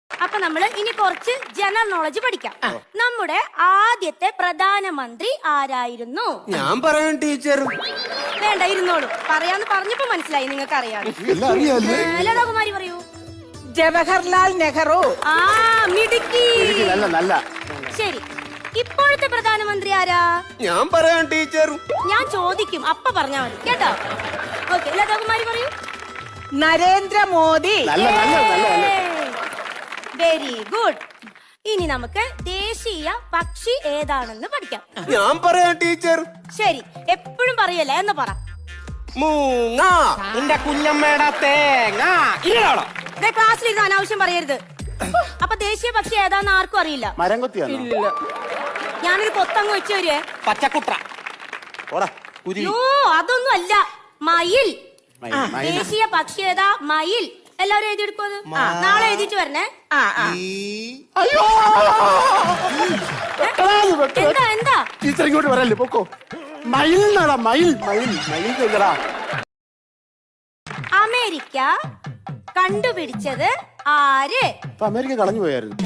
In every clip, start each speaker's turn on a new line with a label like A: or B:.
A: അപ്പൊ നമ്മള് ഇനി കുറച്ച് ജനറൽ നോളജ് പഠിക്കാം. നമ്മുടെ ആദ്യത്തെ പ്രധാനമന്ത്രി ആരായിരുന്നു?
B: ഞാൻ പറയാം ടീച്ചർ.
A: വേണ്ട, ഇരുന്നോളൂ. പറയാന്ന് പറഞ്ഞപ്പോ മനസ്സിലായി നിങ്ങൾക്ക് അറിയാം. ലതാകുമാരി പറയൂ.
C: ജവഹർലാൽ നെഹ്റു.
A: ആ, മിടുക്കി.
D: നല്ല.
A: ശരി, ഇപ്പോഴത്തെ പ്രധാനമന്ത്രി ആരാ?
B: ഞാൻ പറയാം ടീച്ചർ.
A: ഞാൻ ചോദിക്കും, അപ്പ പറഞ്ഞാ മതി കേട്ടോ. ഓക്കെ, ലതാകുമാരി പറയൂ.
C: നരേന്ദ്രമോദി.
A: Very good. ഇനി നമുക്ക് ദേശീയ പക്ഷി ഏതാണെന്ന് പഠിക്കാം.
B: ഞാൻ പറയാം ടീച്ചർ.
A: ശരി, എപ്പോഴും പറയല്ലേ എന്ന് പറ.
B: മൂങ്ങ.
D: നിന്റെ കുഞ്ഞമ്മയുടെ തേങ്ങ.
A: ക്ലാസ്സിലിരുന്ന് അനാവശ്യം പറയരുത്. അപ്പൊ ദേശീയ പക്ഷി ഏതാന്ന് ആർക്കും അറിയില്ല.
D: മരം കൊത്തിയാണോ?
A: ഞാനൊരു കൊത്തങ്ങ് വെച്ചു വരുവേ.
D: പച്ചക്കുട്ട.
A: യോ, അതൊന്നും അല്ല, മയിൽ. ദേശീയ പക്ഷി ഏതാ? മയിൽ. എല്ലാവരും എഴുതിയെടുക്കും. അത് നാളെ എഴുതിട്ട് വരണേ. എന്താ
D: ടീച്ചർ ഇങ്ങോട്ട് വരല്ലേ, പൊക്കോ. മയിൽ നടാ, മയിൽ മയിൽ മയിൽ കേക്കടാ.
A: അമേരിക്ക കണ്ടുപിടിച്ചത് ആര്?
D: അമേരിക്ക കളഞ്ഞു പോയായിരുന്നു.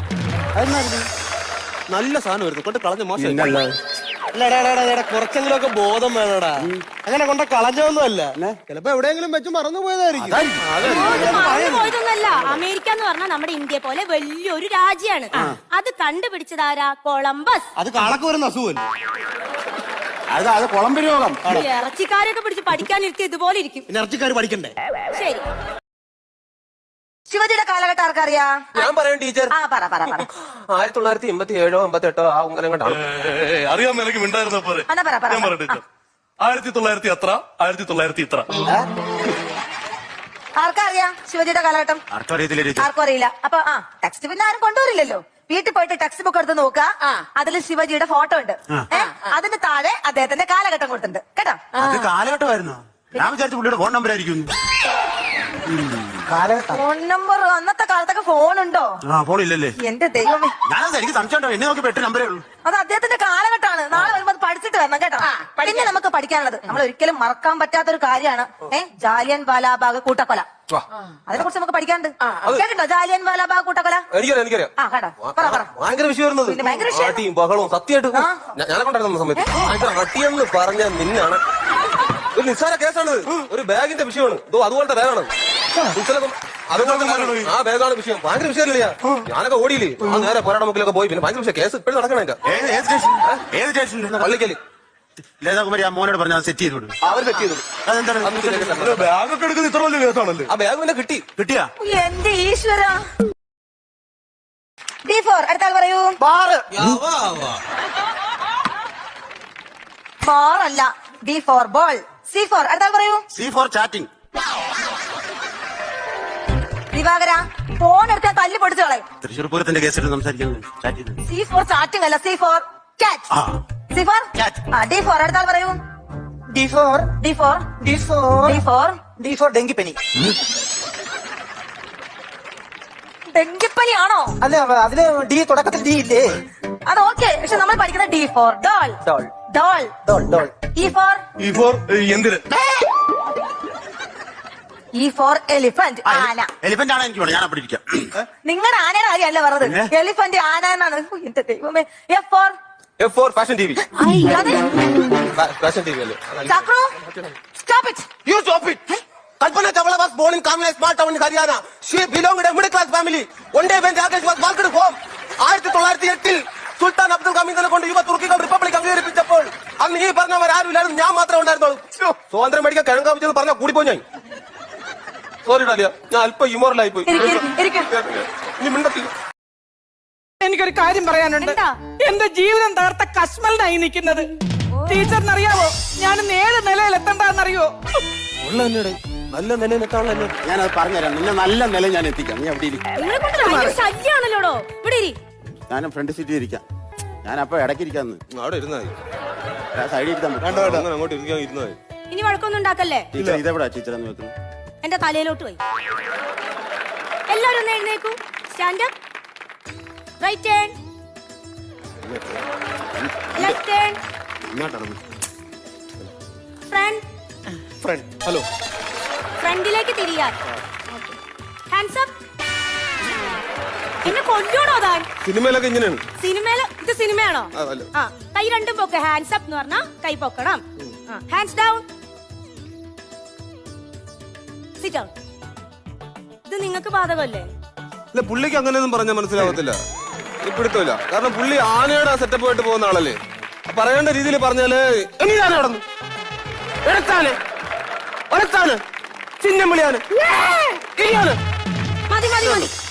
B: നല്ല സാധനമായിരുന്നു, കൊണ്ട് കളഞ്ഞ മോശം. കുറച്ചെങ്കിലും ഒക്കെ ബോധം വേണടാ. അങ്ങനെ കൊണ്ട കളഞ്ഞൊന്നും അല്ല, ചിലപ്പോ എവിടെയെങ്കിലും വെച്ച് മറന്നു പോയതായിരിക്കും.
A: പോയതൊന്നല്ല. അമേരിക്ക എന്ന് പറഞ്ഞാൽ നമ്മുടെ ഇന്ത്യ പോലെ വലിയൊരു രാജ്യമാണ്. അത് കണ്ടുപിടിച്ചതാരാ? കൊളംബസ്.
B: അത് കാളക്ക് വരുന്ന അസുഖം.
D: അത് കൊളംബി രോഗം.
A: ഇറച്ചിക്കാരൊക്കെ പിടിച്ച് പഠിക്കാനിരുത്തി ഇതുപോലെ ഇരിക്കും.
B: ഇറച്ചിക്കാർ പഠിക്കണ്ടേ?
A: ശരി,
C: ശിവജിയുടെ കാലഘട്ടം ആർക്കറിയാ?
B: ഞാൻ പറയാം ടീച്ചർ.
E: 1987 88 ആ ഉങ്കലം കണ്ടാണ്.
F: അറിയാൻ നിനക്ക് മിണ്ടായിരുന്ന പോലെ ഞാൻ പറയാം ടീച്ചർ. 1900 എത്ര, 1900 ഇത്ര.
C: ആർക്കറിയാ ശിവജിയുടെ കാലഘട്ടം? ആർക്കും അറിയില്ല. അപ്പൊ ടെക്സ്റ്റ് പിന്നെ ആരും കൊണ്ടുവരില്ലല്ലോ. വീട്ടിൽ പോയിട്ട് ടെക്സ്റ്റ് ബുക്ക് എടുത്ത് നോക്കുക. അതിൽ ശിവജിയുടെ ഫോട്ടോ ഉണ്ട്. അതിന് താഴെ അദ്ദേഹത്തിന്റെ കാലഘട്ടം കൊടുത്തിട്ടുണ്ട് കേട്ടോ.
D: കാലഘട്ടമായിരുന്നു. ഞാൻ വിചാരിച്ചു പുള്ളിയുടെ ഫോൺ നമ്പർ ആയിരിക്കും.
C: ഫോൺ നമ്പർ അന്നത്തെ കാലത്തൊക്കെ ഫോൺ ഉണ്ടോ?
D: ഫോണില്ലല്ലേ?
C: എന്റെ ദൈവമേ,
D: എനിക്ക് സംശയം. എന്നെ നോക്കി 8 നമ്പരേ ഉള്ളൂ.
C: അത് അദ്ദേഹത്തിന്റെ കാലഘട്ടമാണ്. നാളെ വരുമ്പോ അത് പഠിച്ചിട്ട് വരണം കേട്ടോ. പിന്നെ നമുക്ക് പഠിക്കാനുള്ളത്, നമ്മൾ ഒരിക്കലും മറക്കാൻ പറ്റാത്തൊരു കാര്യമാണ് ജാലിയൻ വാലാബാഗ് കൂട്ടക്കൊല. അതിനെ കുറിച്ച് നമുക്ക് പഠിക്കാനുണ്ട്. കേട്ടോ ജാലിയൻ വാലാബാഗ് കൂട്ടക്കൊല?
E: എനിക്കറിയാം. ഭയങ്കര വിഷയമായിരുന്നു. ബഹളവും സത്യമായിട്ട് ഞാനെ കൊണ്ടായിരുന്നു സമയത്ത്. ഭയങ്കര അട്ടിയെന്ന് പറഞ്ഞ നിന്നാണ്. ഒരു നിസ്സാര കേസാണ്. ഒരു ബാഗിന്റെ വിഷയമാണ്. അതുപോലത്തെ ബാഗാണ്. ആ ബാഗാണ് വിഷയം. ഭയങ്കര വിഷയമല്ലേ? ഞാനൊക്കെ ഓടിയില്ലേ, ആ നേരെ പോരാട്ട മുക്കിലൊക്കെ പോയി. പിന്നെ ഭയങ്കര വിഷയം. കേസ് ഇപ്പോഴും നടക്കണേ. പള്ളിക്കല്
D: ലതാകുമാരി ആ മോനോട് പറഞ്ഞ സെറ്റ് ചെയ്തു.
E: അവർ സെറ്റ് ചെയ്തു.
F: ബാഗൊക്കെ എടുക്കുന്നത് ഇത്ര വലിയ കേസാണല്ലേ?
E: ആ ബാഗ് പിന്നെ
D: കിട്ടിയാ?
C: എന്റെ ഈശ്വര. D4 അടുത്ത ആൾ പറയൂ. ബാർ അല്ല, D4 ബോൾ. C4 അടുത്ത ആൾ പറയൂ.
D: C4 chatting.
C: ദിവാകര, ഫോൺ എടുത്താൽ തല്ലി പൊടിച്ചു കളയും.
D: തൃശ്ശൂർ പൂരത്തിന്റെ കേസിൽ സംസാരിക്കുന്നത്.
C: C4 ചാറ്റിംഗ് അല്ല, C4 ക്യാച്ച്. C4 D4 അടുത്ത ആൾ പറയൂ. D4
G: ഡെങ്കിപ്പനി.
C: ഡെങ്കിപ്പനിയാണോ?
G: അല്ല, അതില് ഡി തുടക്കത്തിൽ ഡി ഇല്ലേ?
C: അത് ഓക്കെ, പക്ഷെ നമ്മൾ പഠിക്കുന്ന D4 ഡോൾ. E4
F: എന്തിന്?
C: E4 എലിഫന്റ്, ആന.
D: എലിഫന്റ് ആണ് എനിക്ക് വേണം. ഞാൻ അവിടെ ഇരിക്കാം.
C: നിങ്ങളുടെ ആനയുടെ കാര്യമല്ല പറഞ്ഞത്, എലിഫന്റ് ആന എന്നാണ്. എന്റെ ദൈവമേ.
E: F4 fashion T V. Fashion T V അല്ലേ?
C: Chakru, stop it.
E: You stop it. Kalpana Chawla was born in Kamla, small town in Haryana. She belonged to a middle class family. One day when Rakesh was walked home, 1908 സുൽത്താൻ അബ്ദുൽ ഹമീദിനെ കൊണ്ട് യുവ തുർക്കികൾ republic അംഗീകരിപ്പിച്ചപ്പോൾ അന്ന് ഈ പറഞ്ഞവർ ആരുമില്ലായിരുന്നു, ഞാൻ മാത്രമേ ഉണ്ടായിരുന്നുള്ളൂ. സ്വാതന്ത്ര്യം മേടിക്കാൻ കിഴങ്ങാമിച്ചത് പറഞ്ഞാൽ കൂടിപ്പോ ഞാൻ. സോറി ഡാലിയ, ഞാൻ അല്പം യുമോറലായി പോയി. നീ മിണ്ടത്തില്ല.
C: എനിക്കൊരു കാര്യം പറയാനുണ്ട്. എന്റെ ജീവിതം തകർത്ത കശ്മലിനായി നിൽക്കുന്നത്. ടീച്ചറിനറിയാവോ ഞാൻ 7 നിലയിൽ എത്തണ്ടെന്നറിയോ?
B: നല്ല നില എത്താണല്ലോ.
D: ഞാനത് പറഞ്ഞുതരാം. നിന്നെ നല്ല നില ഞാൻ എത്തിക്കാം. നീ അവിടെ
A: ശല്യാണല്ലോടോ. ഇവിടെ
D: ഞാനും ഫ്രണ്ട് സീറ്റിൽ ഇരിക്കാം. ഞാൻ അപ്പൊ ഇടയ്ക്ക് ഇരിക്കാന്ന്.
E: അവിടെ ഇരുന്നായി
D: സൈഡിൽ ഇരുത്താൻ
E: അങ്ങോട്ട് ഇരുന്നായി.
A: ഇനി വഴക്കൊന്നും ഉണ്ടാക്കല്ലേ.
D: ടീച്ചർ ഇതെവിടാ ടീച്ചർ എന്ന് വെക്കുന്നത്?
A: എന്റെ തലയിലോട്ട് പോയി. എല്ലാവരും ഒന്ന് എഴുന്നേക്കൂ. Stand up. Right hand, left hand, front.
E: Hello.
A: ഫ്രണ്ടിലേക്ക് തിരിയാൻ. Hands up. എന്നെ കൊല്ലോടോ താൻ?
B: സിനിമയിലൊക്കെ ഇങ്ങനെയാണ്.
A: സിനിമയില് ഇത് സിനിമയാണോ?
B: ആ, അല്ല.
A: ആ, കൈ രണ്ടും പൊക്കെ. ഹാൻഡ്സ് അപ്പ് എന്ന് പറഞ്ഞാ കൈ പൊക്കണം. Hands down. Sit down. ഇത് നിങ്ങൾക്ക് ബാധകമല്ലേ?
B: ഇല്ല, പുള്ളിക്ക് അങ്ങനെയൊന്നും പറഞ്ഞാൽ മനസ്സിലാവത്തില്ല. പിടുത്തമില്ല. കാരണം പുള്ളി ആനയുടെ സെറ്റപ്പ് ആയിട്ട് പോകുന്ന ആളല്ലേ. പറയേണ്ട രീതിയിൽ പറഞ്ഞാല് എങ്ങനെയാണ് നടന്നു ചിഹ്നം വിളിയാണ്.
A: മതി മതി മതി.